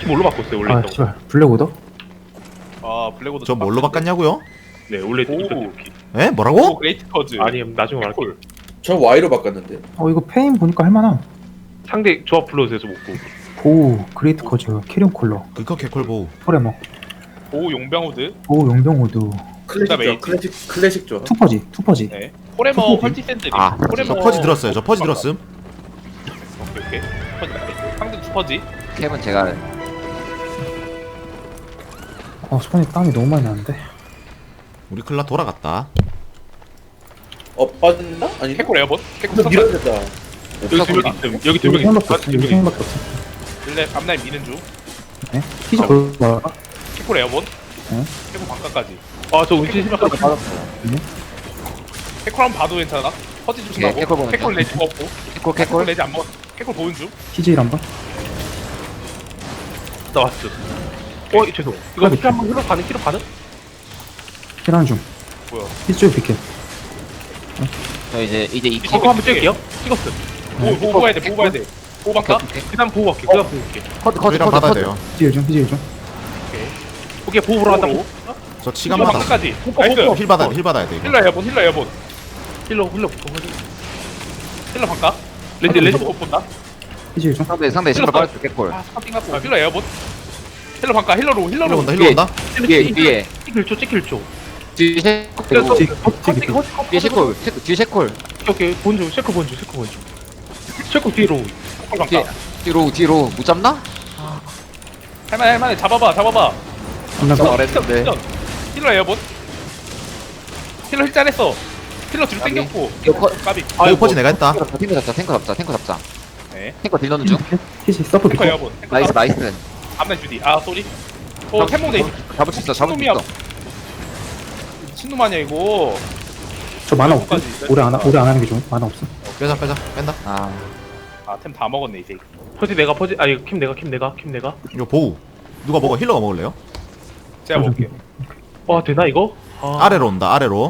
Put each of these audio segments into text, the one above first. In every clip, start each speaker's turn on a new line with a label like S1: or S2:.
S1: 뭘로 바꿨어요 원래
S2: 아
S1: 있던 거?
S2: 씨발 블랙오더?
S3: 아 블랙오더
S4: 저 뭘로 바꿨냐고요?
S1: 네 원래
S3: 오.
S1: 있던 이렇게.
S4: 에?
S3: 오
S4: 뭐라고?
S3: 그레이트 커즈
S1: 아니 나중에 말할게요.
S5: 저 Y로 바꿨는데.
S2: 이거 페인 보니까 할만함.
S1: 상대 조합 불러주세요 저 먹고.
S2: 보우 그레이트 커즈 캐리온 콜러
S4: 그거 개콜보우.
S2: 포레머
S3: 오 용병우드
S2: 보우 용병호드
S3: 그다음에
S5: 클래식 좋아.
S2: 투퍼지
S3: 네 포레머
S2: 투포지?
S3: 펄티 샌드
S4: 아,
S3: 포레머
S4: 저 퍼지 들었어요. 저 퍼지 들었음.
S3: 오케이 퍼지 나이스. 상대 투퍼지
S6: 캡은 제가
S2: 손에 땀이 너무 많이 나는데.
S4: 우리 클라 돌아갔다.
S5: 빠진다? 아니.
S3: 캐콜 에어본 캐콜
S5: 근데
S3: 선사
S5: 밀어야 된다.
S1: 여기 두 명 있음. 여기 두 명 있음.
S2: 생밖에 없어. 여기 생밖에 없어.
S3: 릴레 앞라인 미는 중
S2: 네. 피지 걸어.
S3: 캐콜 에어본
S2: 네.
S3: 캐콜 반가까지
S1: 아저 운치 심각하게
S3: 캐콜 한번 봐도 괜찮아 퍼지 조심하고
S6: 캐콜 보는
S3: 캐콜
S6: 중.
S3: 레지 없고
S6: 캐콜
S3: 캐콜
S6: 캐콜
S3: 레지 안 먹어 캐콜 보는 중
S2: 피지일 한번.
S1: 나왔어. 죄송. 이거 피 한번 흘러 가는 키로 가는?
S2: 힐하는 중.
S3: 뭐야
S2: 피지 쪽 비킬.
S6: 저 이제
S1: 이거 한번 찍을게요. 찍었어.
S3: 보고 봐야 돼 보고 봐야 돼 보고 반가
S1: 그다음 보호 할게. 그다음 보호 할게.
S6: 커드
S4: 우리랑 받아야 돼요.
S2: 피지일 중 피지일 중.
S1: 오케이 보호 보러 간다.
S4: 저
S3: 힐러
S4: 치감 받아.
S3: 반가까지 나이스
S4: 힐 받아야 돼. 힐 받아야 돼 이거.
S3: 힐러 에어본 힐러 에어본
S1: 힐러.
S3: 힐러 반가
S1: 레지.
S3: 못 본다
S2: 피지일 중.
S6: 상대 신발 빠졌어 캐콜
S3: 아 스파팅 갖고 힐러 에어본 힐러 반가 힐러로
S4: 힐러
S3: 힐러로
S4: 온다. 힐러 온다.
S6: 뒤에
S1: 찍힐 줘.
S6: 뒤에 셰콜
S2: 피지
S6: 뒤에 셰콜 뒤에 셰콜
S1: 오케이 본주 쉐크 본주. 쉐크 뒤로.
S3: 힐러 반가
S6: 뒤로 못 잡나?
S3: 할만해 잡아봐
S2: 한번
S6: 말했는데
S3: 힐러 에어본 힐러 힐 잘했어 힐러 뒤로
S6: 까비.
S3: 당겼고
S6: 이거 커
S3: 까비
S4: 보우 퍼지 내가 했다.
S6: 탱커 잡자
S3: 네
S6: 탱커 딜 넣는 중
S2: 피지 서프
S3: 탱커
S2: 비킬.
S3: 에어본
S6: 나이스
S3: 앞날 주디 아 쏘리 템몽 돼
S6: 잡을 수 있어
S3: 미친놈 아니야 이거
S2: 저 만화 없어. 오래 안 하는 게 좋은. 만화 없어.
S4: 빼자 뺀다.
S3: 아템 다 먹었네 이제
S1: 퍼지 내가 아니 킴 내가.
S4: 이거 보우. 누가 먹어? 힐러가 먹을래요?
S3: 제가 먹을게요
S1: 와 되나 이거?
S4: 아래로 온다. 아래로.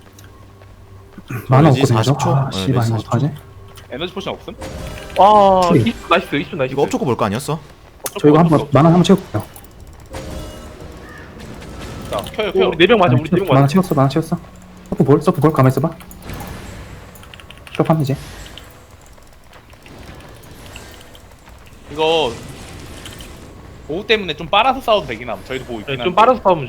S2: 만화
S4: 레지
S2: 없거든요.
S4: 40초?
S2: 아
S4: 네,
S2: 씨발
S4: 레지
S2: 이거
S4: 40초.
S2: 어떡하지?
S3: 에너지 포션 없음?
S2: 트리.
S1: 나이스.
S4: 이거 업초코 볼 거 아니었어?
S2: 저 이거 한번 만화 한번 채울게요.
S3: 자 켜요
S1: 우리 4명 맞아. 우리 4명
S2: 만화
S1: 맞아.
S2: 채웠어. 서프 볼 가만 있어봐. 힐업하면 이제.
S3: 이거 보호 때문에 좀 빨아서 싸워도 되긴 함 저희도 보호 있긴 한데
S1: 좀 빨아서 싸우면 줘.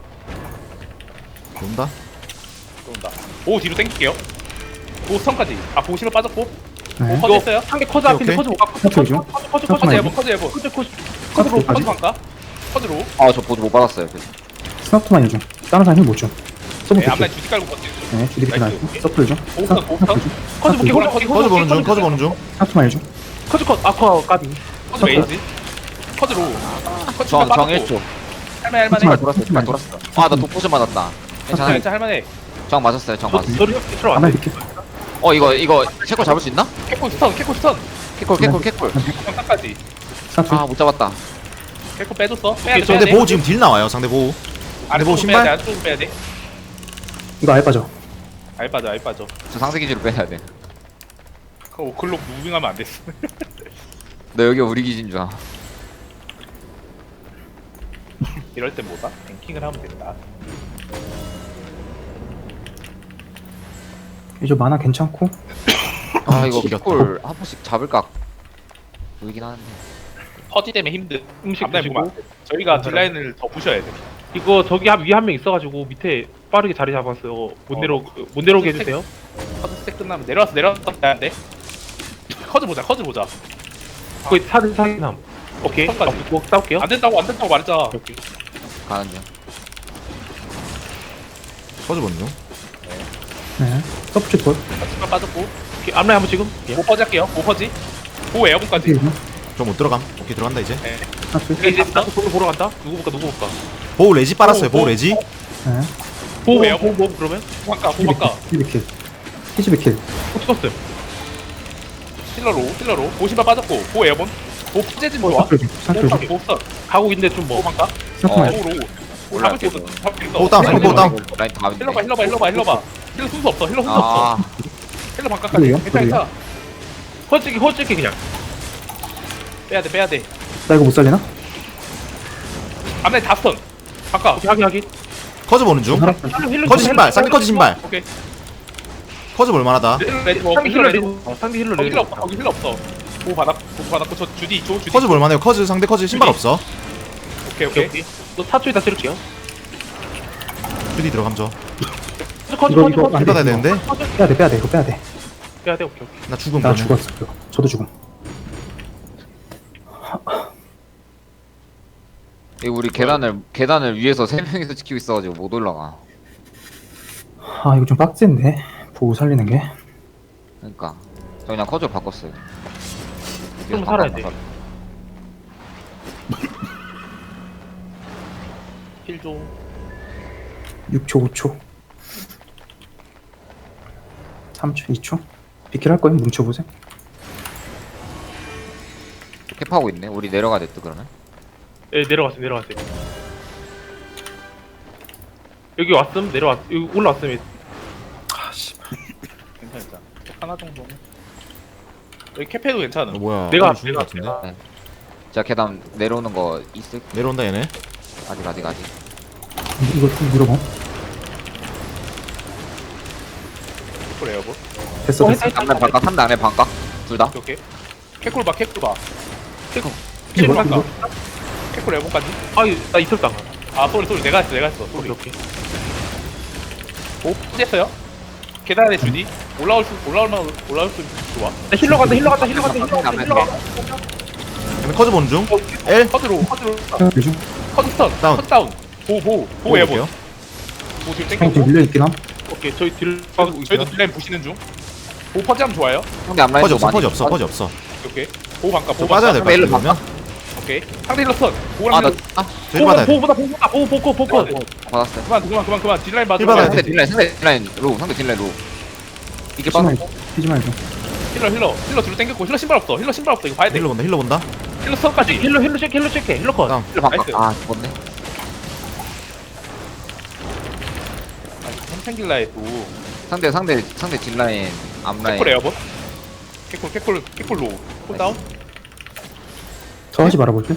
S4: 온다.
S3: 들어온다 보호 뒤로 당길게요 보호 스턴까지 아 보호 실로 빠졌고
S2: 네.
S3: 커즈 했어요?
S1: 상대 커즈 앞인데
S4: 오케이.
S1: 커즈 못 갖고.
S2: 커즈 중.
S3: 커즈
S2: 잠깐만요.
S3: 해본 커즈로
S2: 커즈까지.
S3: 커즈 반가? 커즈로
S6: 아저 보드 못 받았어요
S2: 스나프만 중. 다른 사람 힐못 줘. 서브
S3: 네
S2: 비킬.
S3: 앞라인 주디 깔고 버티
S2: 네, 주디 비킬
S3: 나이스.
S2: 나이스. 서프를 줘.
S3: 보호 스턴 보호 스턴
S1: 커즈 볼게.
S4: 퍼즈 보는 중. 퍼즈 보는 중.
S2: 스나프만 줘.
S1: 커즈 컷. 아쿠아 까비.
S3: 커즈 메인지 커즈로 커즈
S6: 정
S3: 빠졌고
S6: 1초
S3: 할만해
S6: 신발 돌았어 아나 독포션 맞았다 괜찮아
S3: 괜찮아 할만해
S6: 정 맞았어요 정 맞았어
S1: 저를 들어
S2: 만화
S1: 안 돼.
S2: 비킬.
S6: 이거 셰콜 잡을 수 있나?
S3: 캐콜 스턴
S6: 캐콜
S3: 정상까지
S2: 스나프.
S6: 못 잡았다
S3: 캐콜 빼줬어 빼야돼
S4: 상대 보우 지금 딜 나와요. 상대 보우.
S3: 아래
S4: 보호
S3: 보호
S4: 신발?
S3: 빼야돼 안쪽으로 빼야돼
S2: 이거 아예 빠져.
S3: 알 빠져
S6: 저 상세 기지로 빼야 돼
S3: 그거 오클록 무빙하면 안 됐어
S6: 너 여기 우리 기지인 줄 알아
S3: 이럴 땐 뭐다? 뱅킹을 하면 된다
S2: 이제 만화 괜찮고.
S6: 이거
S4: 지겹다.
S6: 캐콜 한 번씩 잡을까 보이긴 하는데
S3: 퍼지 때문에 힘든
S1: 음식
S3: 앞라인 보면
S1: 드시고.
S3: 안 돼. 저희가 딜라인을 더 부셔야 돼
S1: 이거 저기 위에 한 명 있어가지고 밑에 빠르게 자리 잡았어요. 못 내려오게 해주세요.
S3: 커즈 스택 끝나면 내려왔어 안돼 커즈 보자
S1: 거기 사진남. 오케이.
S3: 선까지.
S1: 뭐 싸울게요.
S3: 안 된다고 말했잖아
S1: 오케이.
S6: 가는 중
S4: 퍼즈 보는 중.
S2: 네. 서프 쪽 볼.
S3: 커즈가 빠졌고
S1: 오케이. 앞라인 한번 지금. 예.
S3: 오퍼지 할게요 오퍼지 오 에어본까지
S2: 비킬 중.
S4: 저 못 들어감. 오케이 들어간다 이제.
S3: 네.
S2: 스나프.
S1: 이제 나도 보러 보러 간다. 누구 볼까?
S4: 보우 레지 빨았어요. 보우 레지.
S2: 네.
S1: 보고
S3: 뭐예요?
S1: 그러면
S3: 호박가
S2: 피지 비킬. 피지 비킬.
S1: 찍었어요.
S3: 힐러로 오신발 빠졌고 오 에어본 오 퍼제진 좋아
S2: 스나프 중. 스나프 중.
S3: 오스턴
S1: 가고 있는데 좀 뭐.
S3: 호박가
S2: 스나프만 줘.
S3: 오로
S6: 올라갈게.
S3: 잡을 수
S4: 보우 다운. 상대 보우 다운.
S6: 라인 다음인데
S3: 힐러봐 힐러 순서 없어 힐러 반가까지
S2: 그래요?
S3: 괜찮아
S1: 허찍기 그냥.
S3: 빼야돼
S2: 나 이거 못 살리나?
S3: 앞라인 다 스턴. 바꿔.
S1: 오케이 확인.
S4: 커즈 보는 중.
S2: 하나
S4: 커즈 신발. 쌍디 커즈 신발.
S3: 오케이.
S4: 커즈 볼만하다.
S3: 레디 뭐
S1: 상대
S3: 힐러
S1: 힐러
S3: 레디.
S1: 레디. 상대 힐러
S3: 거기
S1: 레디.
S3: 힐러 없어. 거기 힐러 없어. 보호 받았고 저 주디 줘 주디.
S4: 커즈 볼만해요. 커즈 상대 커즈 신발
S3: 주디.
S4: 없어.
S3: 오케이
S1: 오케이
S3: 오케이.
S1: 오케이. 너 4초에다 쓸게요.
S4: 주디 들어감죠.
S1: 커즈
S2: 이거,
S1: 커즈
S2: 이거
S1: 커즈.
S2: 안
S4: 받아야 되는데.
S2: 빼야 돼 이거 빼야 돼.
S1: 빼야 돼. 오케이 오케이.
S4: 나 죽음.
S2: 나
S4: 그러면.
S2: 죽었어 이거. 저도 죽음.
S6: 이거 우리 계단을 위에서 3명이서 지키고 있어가지고 못 올라가.
S2: 아 이거 좀 빡센데 보고 살리는 게.
S6: 그러니까 저 그냥 커즈 바꿨어요.
S1: 좀 살아야 돼.
S3: 힐 좀.
S2: 6초 5초 3초 2초 비킬 할 거임 뭉쳐보세요.
S6: 캡하고 있네. 우리 내려가야 됐다 그러면.
S1: 예 내려갔어요. 여기 왔음 내려왔. 여기 올라왔음.
S3: 괜찮다. 하나 정도는. 여기 캐페도 괜찮아.
S4: 뭐야?
S1: 내가
S4: 죽은 것 같은데.
S6: 제가 계단 내려오는 거 있을.
S4: 내려온다 얘네.
S6: 아직.
S2: 이거 좀 물어봐.
S3: 그래요 뭐.
S2: 됐어 됐어.
S6: 안에 반각, 3대 안에 반각. 둘 다.
S3: 오케이. 캐콜 봐. 캐콜
S2: 이거
S3: 반가.
S2: 이거
S3: 캐콜 에버까지.
S1: 아나 있었다.
S3: 아 소리 내가 했어.
S1: 오케이
S3: 소리.
S1: 오케이.
S3: 오 됐어요. 계단에 주디. 올라올 수 좋아.
S1: 나 힐러 간다.
S4: 얘네 커즈 보는 중. L.
S3: 커드로
S2: 요즘
S3: 커드 스턴.
S4: 다운.
S3: 커드 다운. 보호 에버.
S4: 볼게요.
S3: 보호 뒤로
S2: 형
S3: 땡기고.
S2: 밀려 있긴 함.
S1: 오케이 저희 딜.
S3: 저희도 딜라인 보시는 중. 보호 퍼지하면 좋아요.
S6: 상대 앞라인
S4: 커즈 없어. 커즈 없어. 커즈 없어.
S3: 오케이. 보호 반가.
S4: 저
S3: 보호
S4: 빠져야
S3: 반가.
S4: 될 것 같아. 그러면.
S3: 오케이. 상대 힐러 스턴. 보호랑
S6: 아나
S3: 힐러.
S4: 저희 받아야 돼.
S1: 보고.
S6: 받았어요.
S3: 그만. 딜라인 봐줘.
S4: 힐 받아야 돼.
S6: 상대 딜라인 로우. 이게
S2: 피지
S6: 빠져.
S2: 말고 피지 말고.
S3: 힐러 뒤로 땡겼고 힐러 신발 없어. 이거 봐야 돼.
S4: 힐러 본다.
S3: 힐러 스턴까지.
S1: 힐러 체크. 힐러 컷.
S4: 다운.
S6: 힐러 반각.
S3: 나이스.
S6: 아 죽었네.
S3: 햄탱길라에 또
S6: 상대 딜라인 앞라인.
S3: 캐콜 에어버. 캐콜 로우. 콜다운.
S2: 저 하지 말아볼게.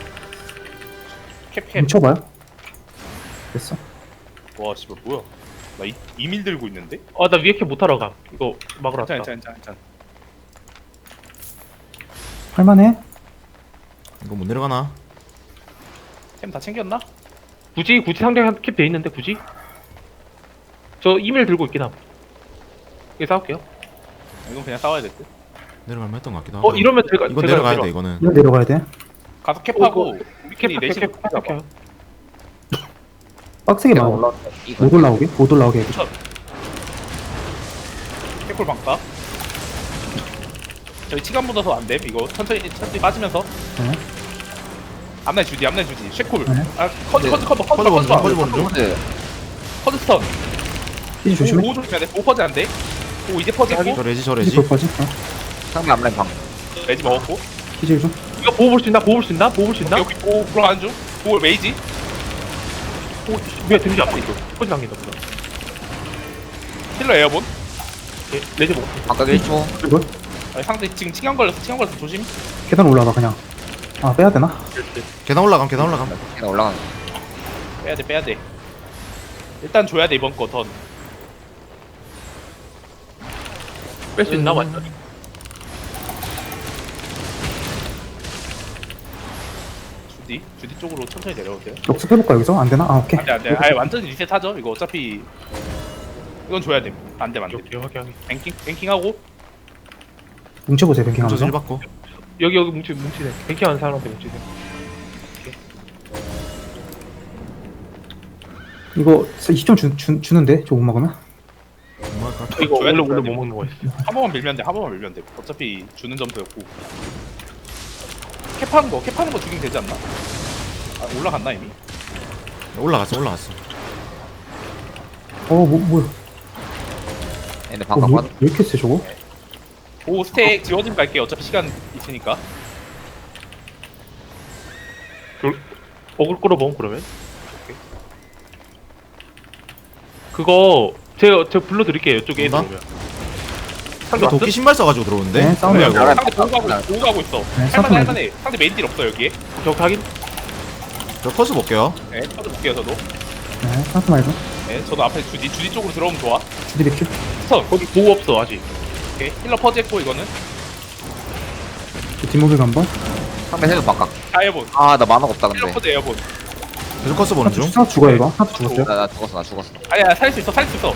S3: 캡.
S2: 뭉쳐봐요. 됐어.
S3: 와 씨발 뭐야. 나 이밀 들고 있는데?
S1: 나 위에 캐 못하러 가. 이거 막으러 왔다.
S3: 괜찮아.
S2: 할만해.
S4: 이거 못 내려가나?
S3: 템 다 챙겼나?
S1: 굳이 상대 캡돼 있는데 굳이? 저 이메일 들고 있긴 함. 이거 싸울게요.
S3: 이건 그냥 싸워야 될 듯.
S4: 내려갈만 했던 것 같기도 하고.
S1: 이러면 제가
S4: 이거 내려가야 돼 이거는.
S2: 이거 내려가야 돼.
S3: 가서 캡하고
S1: 캡
S3: 우리끼리 내시
S1: 캡.
S2: 빡세게 막아.
S6: 이거
S2: 못 올라오게 해줘.
S3: 캡콜 방가. 저희 치간 묻어서 안 됨. 이거 천천히 빠지면서.
S2: 네.
S3: 앞날 주디. 쉐콜.
S2: 네.
S3: 아 커드
S4: 커즈 보는 중.
S3: 커드 스턴.
S2: 피지 조심해.
S3: 오 조심해야 돼. 오 퍼지 안 돼. 오 이제 퍼지고.
S4: 저 레지.
S2: 피지 볼 거지?
S6: 상대 앞라인 방.
S3: 레지 먹었고.
S2: 피지 해줘.
S1: 이거 보호 볼 수 있나?
S3: 여기 오 들어가는 중. 오 메이지.
S1: 왜 데미지 안 보이죠? 포지 당긴다 보다.
S3: 힐러 에어본.
S1: 레지 먹었어.
S6: 반각 1초.
S2: 이거
S3: 아니, 상대 지금 치간 걸렸어 조심.
S2: 계단 올라가 그냥. 아 빼야 되나?
S4: 계단 올라감.
S6: 계단 올라가는.
S3: 빼야 돼. 일단 줘야 돼 이번 거 던.
S1: 뺄 수 있나 완전.
S3: 주디 쪽으로 천천히 내려오세요.
S2: 역습 해볼까 여기서? 안 되나? 아 오케이.
S3: 안돼. 아예 완전히 리셋하죠. 이거 어차피 이건 줘야 돼. 안돼.
S1: 오케이 확인.
S3: 뱅킹하고
S2: 뭉쳐보세요
S4: 저
S2: 뱅킹하면서.
S4: 힐 받고.
S1: 여기 뭉치네. 뱅킹하는 사람한테 뭉치네.
S2: 이거 2점 주는데 저거 못 먹으면?
S4: 뭐 할까?
S1: 이거
S3: 줘야 돼,
S1: 원래
S3: 줘야
S1: 못
S3: 돼.
S1: 먹는 거였어.
S3: 한 번만 밀면 돼. 어차피 주는 점수였고. 캡하는 거 죽이면 되지 않나? 아 올라갔나 이미?
S4: 올라갔어.
S2: 뭐야?
S6: 얘네 반각
S2: 왜
S6: 빠져.
S2: 이렇게 세 저거?
S3: 오 스택 지워지면 갈게요. 어차피 시간 있으니까.
S1: 어글 끌어봄 그러면. 오케이. 그거 제가 불러드릴게요. 이쪽에 애들
S4: 뭔가?
S1: 오면. 상대 왔어?
S4: 도끼 신발 써가지고 들어오는데.
S2: 네 싸우면
S3: 여기
S6: 알아요.
S3: 상대 보고 가고 있어.
S2: 네,
S3: 할만해. 상대 메인 딜 없어 여기에.
S1: 저 확인.
S4: 저 커스 볼게요.
S3: 네, 저도 볼게요 저도.
S2: 네, 카운트 말고.
S3: 네, 저도 앞에 주디 쪽으로 들어오면 좋아.
S2: 주디 백큐.
S3: 스턴.
S1: 거기 보호 없어 아직.
S3: 오케이. 힐러 퍼즈했고 이거는
S2: 뒷모빌 한번.
S6: 상대 해도 바깥.
S3: 에어본.
S6: 아 나 만화가 없다
S3: 힐러
S6: 근데.
S3: 퍼즈 에어본.
S4: 계속 커스 보는 중.
S2: 하나 죽어요 이거. 하나 죽었어요.
S6: 나 죽었어 나 죽었어.
S3: 아니야 살릴 수 있어 살릴 수 있어.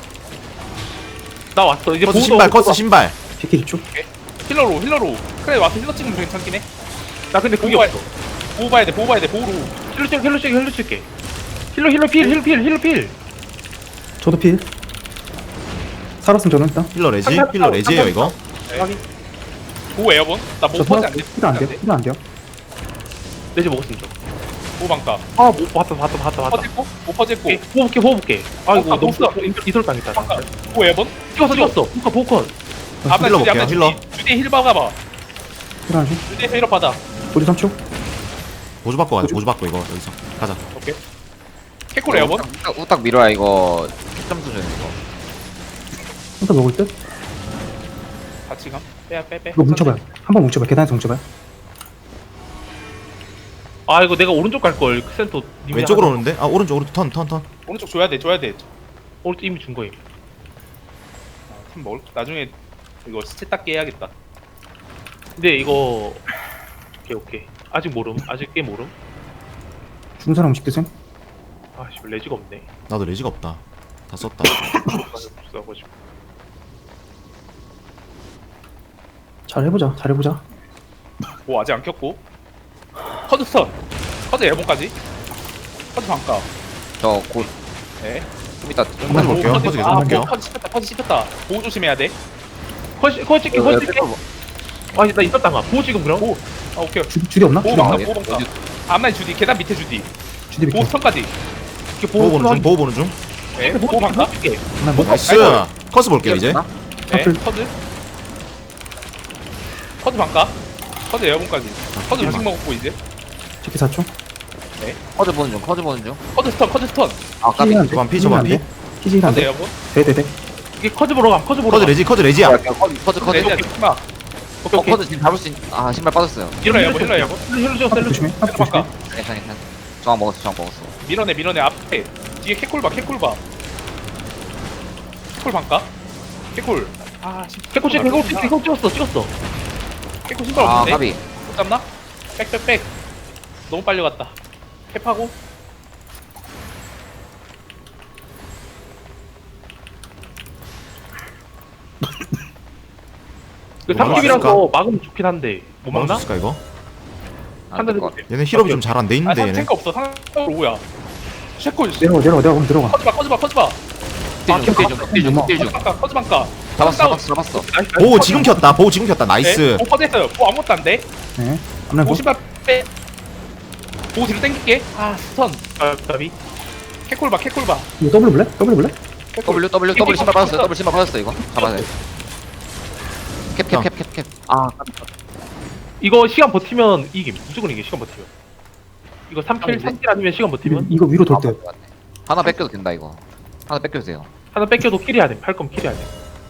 S1: 나 왔어. 이제
S4: 커스
S1: 보호도
S4: 신발,
S1: 없고
S4: 커스 신발.
S2: 비키 쪽.
S3: 힐러로. 그래 와서 힐러 찍으면 괜찮긴 해.
S1: 나 근데 그게
S3: 보호
S1: 없어.
S3: 봐야 돼 보호로.
S1: 힐러 찍게. 힐러 필.
S2: 저도 필. 살았으면 저는 일단.
S4: 힐러 레지? 힐러 레지예요 이거.
S3: 네. 보호 에어본. 나못
S2: 저
S3: 퍼즈
S2: 살았.
S3: 안 돼.
S2: 필안 돼요. 필안 돼요.
S1: 내지 먹었으면 좀.
S3: 보호 방가.
S1: 아, 못 봤다.
S3: 퍼즈했고 못 퍼즈했고.
S1: 오케이, 호흡 볼게. 아이고,
S3: 아,
S1: 너무
S3: 없어.
S1: 이설 당했다.
S3: 방가. 보호 에어본.
S1: 찍었어. 보컷.
S3: 앞에
S4: 힐러
S3: 주디
S4: 볼게요, 힐러.
S3: 주디 힐 박아봐.
S2: 필안 줘.
S3: 주디 힐러 받아.
S2: 우리 3초.
S4: 보조 받고 가자. 보조 받고 이거 여기서 가자.
S3: 오케이. 캐콜 에어본.
S6: 후딱 밀어야 이거 점 수준 이거.
S2: 일단 먹을 듯.
S3: 같이 가. 빼.
S2: 이거 뭉쳐봐요. 한번 뭉쳐봐요. 계단에서 뭉쳐봐요.
S1: 아, 이거 내가 오른쪽 갈 걸. 그 센터 님이
S4: 왼쪽으로
S1: 하나-
S4: 오는데? 아 오른쪽 턴.
S3: 오른쪽 줘야 돼.
S1: 오른쪽 이미 준 거임.
S3: 팀 먹을. 나중에 이거 스탯 닦게 해야겠다.
S1: 근데 이거 오케이. 아직 모름. 아직 꽤 모름.
S2: 죽은 사람 음식 드세요.
S1: 아, 씨, 레지가 없네.
S4: 나도 레지가 없다. 다 썼다.
S1: 써가지고.
S2: 잘 해보자.
S3: 뭐 아직 안 켰고. 커드 스턴. 커드 에어본까지. 커드 방가.
S6: 저곧
S3: 네.
S6: 좀 이따
S4: 한번 볼게요. 커즈 계속
S3: 아,
S4: 볼게요.
S3: 커드 씹혔다. 보호 조심해야 돼.
S1: 컷 찍게. 아, 나 있었다가. 보호 지금 그럼?
S3: 아, 오케이.
S2: 주디 없나?
S3: 보호
S2: 주디
S3: 방가.
S2: 없나?
S3: 보호 방가. 앞라인 주디. 계단 밑에 주디.
S2: 주디
S3: 보호
S2: 백큐.
S3: 스턴까지.
S1: 이렇게
S4: 보호 보는 중.
S3: 네. 보호 방가.
S1: 찍게.
S2: 하나 먹.
S4: 나이스. 커스 볼게요 이제.
S3: 네.
S2: 커플.
S3: 커드 방가. 커드 에어본까지. 커드 음식
S4: 잠깐만.
S3: 먹었고 이제.
S2: 치키 4초.
S6: 커즈 보는 중.
S3: 커드 스턴.
S6: 아 까비.
S4: 저반 피, 저반 피.
S2: 키지 안
S3: 커드
S2: 돼.
S3: 에어본.
S2: 돼.
S1: 이게 커즈 보러 감.
S4: 커즈 레지야.
S6: 커즈.
S3: 레지야 마.
S1: 오케이.
S6: 커즈 지금 잡을 수 있. 아 신발 빠졌어요.
S3: 힐러 에어본.
S1: 힐러 줘.
S2: 하나 조심해. 하나
S3: 커드 방가.
S2: 조심해.
S6: 괜찮. 저항 먹었어.
S3: 밀어내 앞에. 뒤에 캐콜 봐. 캐콜 방가. 캐콜. 아,
S1: 캐코 찍었어.
S3: 캐콜 신발
S6: 아
S3: 없는데.
S6: 까비.
S3: 못 잡나? 백. 너무 빨리 갔다. 캡하고.
S1: 그
S4: 이거
S1: 삼집이라서 막으면 좋긴 한데 못
S4: 막을 수
S1: 막나?
S4: 있을까 이거?
S1: 한대
S6: 안될것 같아.
S4: 얘네 힐업이 좀 잘 안 돼
S3: 아,
S4: 있는데 얘네.
S3: 탱크 없어. 상황 5야. 쉐콜.
S2: 내려가. 그럼 들어가.
S3: 커즈 봐.
S6: 딜중.
S3: 커즈 방가.
S6: 잡았어.
S4: 보호 지금 켰다. 나이스.
S3: 오 퍼졌어요. 보 아무것도 안 돼.
S2: 네. 앞날
S3: 보
S2: 보.
S3: 신발 빼. 보 뒤로 당길게. 아, 스턴.
S1: 답이
S3: 캐콜 봐.
S2: 이거 더블 볼래?
S6: W 신발 빠졌어 이거. 잡아야 돼. 캡. 아
S1: 이거 시간 버티면 이김 무조건 이게 시간 버티면 이거 3킬 아니면 시간 버티면
S2: 이거 위로 돌 때.
S6: 하나 뺏겨도 된다 이거. 하나 뺏겨도 돼요.
S1: 하나 뺏겨도 킬해야 돼. 팔 거면 킬해야 돼.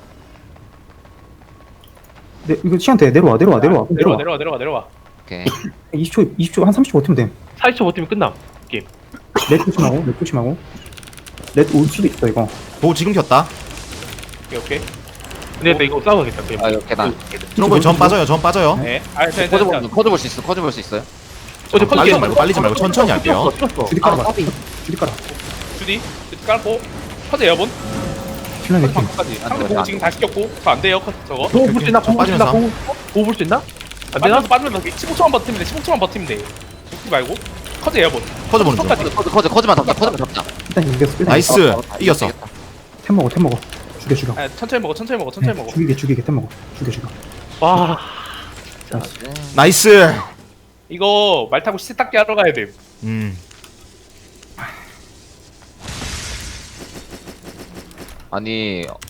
S2: 네, 이거 시간 돼. 내려와.
S3: 내려와.
S6: 오케이.
S2: 20초 한 30초 버티면 돼.
S1: 40초 버티면 끝남.
S2: 렛 조심하고. 렛 올 수도 있어 이거.
S4: 보호 지금 켰다.
S3: 오케이.
S1: 근데 나 이거 싸워야겠다. 그냥.
S6: 아 이거 계단.
S4: 트럼프 전 빠져요.
S3: 네. 아,
S6: 커즈 볼 수 있어.
S1: 어제
S4: 빨리지 말고 천천히 할게요.
S1: 찍었어.
S2: 주디 깔아봐. 주디 깔아.
S3: 주디 깔고 커즈 에어본.
S2: 신랑
S3: 커즈
S2: 이렇게.
S3: 방까지. 상대 보호 지금 다 시켰고. 저 안 돼요. 저거.
S1: 보호 볼수 있나?
S4: 좀 빠지면서.
S1: 보호 볼 수 있나? 안 되나?
S3: 빠지면 15초만 버티면 돼. 죽지 말고. 커즈 에어본.
S4: 커즈 보는 중.
S6: 커즈만 잡자.
S2: 일단 이겼어.
S4: 나이스. 이겼어.
S2: 템 먹어. 죽여.
S3: 아, 천천히 먹어.
S2: 죽이게 템 먹어. 죽여.
S1: 와.
S4: 나이스.
S3: 이거 말 타고 시세 닦기 하러 가야 돼.
S6: 아니